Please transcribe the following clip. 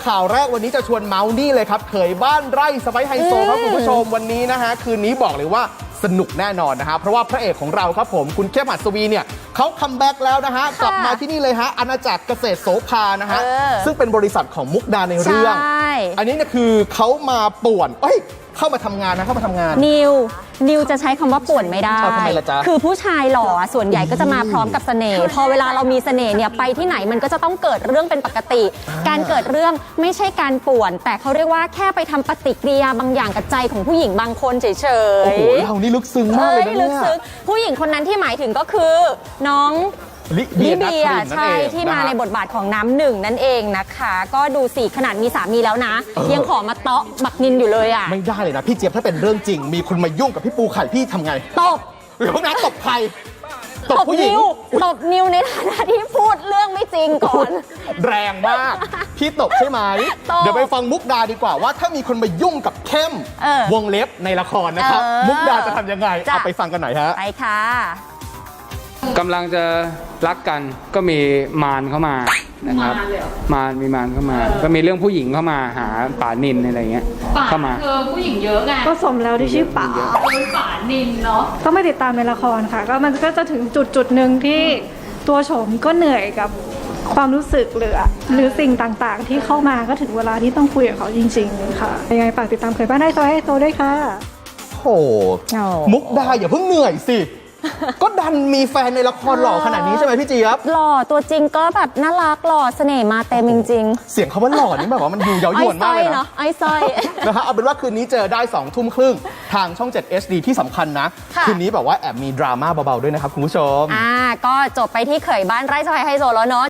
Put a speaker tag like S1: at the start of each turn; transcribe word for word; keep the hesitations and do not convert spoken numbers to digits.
S1: ข่าวแรกวันนี้จะชวนเมาส์นี่เลยครับเขยบ้านไร่สไปซ์ไฮโซครับคุณผู้ชมวันนี้นะฮะคืนนี้บอกเลยว่าสนุกแน่นอนนะฮะเพราะว่าพระเอกของเราครับผมคุณเข้มหัสวีเนี่ยเขาคัมแบ็กแล้วนะฮะกลับมาที่นี่เลยฮะอาณาจักรเกษตรโสภานะฮะซึ่งเป็นบริษัทของมุกดาในเรื่องอันนี้เนี่ยคือเขามาป่วนเอ้ยเข้ามาทำงานนะเข้ามาทำงาน
S2: นิวนิวจะใช้คำว่าป่วนไม่ได้คือผู้ชายหล่อส่วนใหญ่ก็จะมาพร้อมกับเสน่ห์พอเวลาเรามีเสน่ห์เนี่ยไปที่ไหนมันก็จะต้องเกิดเรื่องเป็นปกติการเกิดเรื่องไม่ใช่การป่วนแต่เขาเรียกว่าแค่ไปทำปฏิกิริยาบางอย่างกับใจของผู้หญิงบางคนเฉยๆโอ้
S1: โหเรานี่ลึกซึ้งมากเลยนะเนี่ย
S2: ผู้หญิงคนนั้นที่หมายถึงก็คือน้องลิเบียใช่ที่มาในบทบาทของน้ำหนึ่งนั่นเองนะคะก็ดูสิขนาดมีสามีแล้วนะยังขอมาเตาะบักนินอยู่เลยอ่ะ
S1: ไม่ได้เลยนะพี่เจี๊ยบถ้าเป็นเรื่องจริงมีคนมายุ่งกับพี่ปูไข่พี่ทำไง
S2: ตบ
S1: หรือพวกนั้นตบใคร
S2: ตบนิวตบนิวในฐานะที่พูดเรื่องไม่จริงก่อน
S1: แรงมากพี่ตบใช่ไหมเดี๋ยวไปฟังมุกดาดีกว่าว่าถ้ามีคนมายุ่งกับเข้มวงเล็บในละครนะครับมุกดาจะทำยังไงเอาไปฟังกันหน่อยฮะ
S2: ไปค่ะ
S3: กำลังจะรักกันก็มีมารเข้ามานะครับมารมีมารเข้ามาก็มีเรื่องผู้หญิงเข้ามาหาป่านินอะไรเงี้ยเข้ามา
S4: เออผู้หญิงเยอะไง
S5: ก็สมแล้วที่ชื่อป่า
S4: เป็นป่านินเนาะ
S5: ต้องไม่ติดตามในละครค่ะก็มันก็จะถึงจุดจุดหนึ่งที่ตัวโฉมก็เหนื่อยกับความรู้สึกหรือหรือสิ่งต่างๆที่เข้ามาก็ถึงเวลาที่ต้องคุยกับเขาจริงๆค่ะยังไงฝากติดตามเขยบ้านไร่สไปซ์ไฮโซด้วยค่ะ
S1: โอ้มุกดาอย่าเพิ่งเหนื่อยสิก็ดันมีแฟนในละครหล่อขนาดนี้ใช่ไหมพี่เจี๊ยบ
S2: หล่อตัวจริงก็แบบน่ารักหล่อเสน่ห์มาเต็มจริง
S1: ๆเสียงเขาว่าหล่อนี่แบบว่ามันดูเย้ายวนมากเลยนะ
S2: ไอ้สร้อย
S1: นะฮะเอาเป็นว่าคืนนี้เจอได้สองทุ่มครึ่งทางช่องเจ็ด เอช ดี ที่สำคัญนะคืนนี้แบบว่าแอบมีดราม่าเบาๆด้วยนะครับคุณผู้ชม
S2: อ่าก็จบไปที่เขยบ้านไร่สไปซ์ไฮโซแล้วเนาะ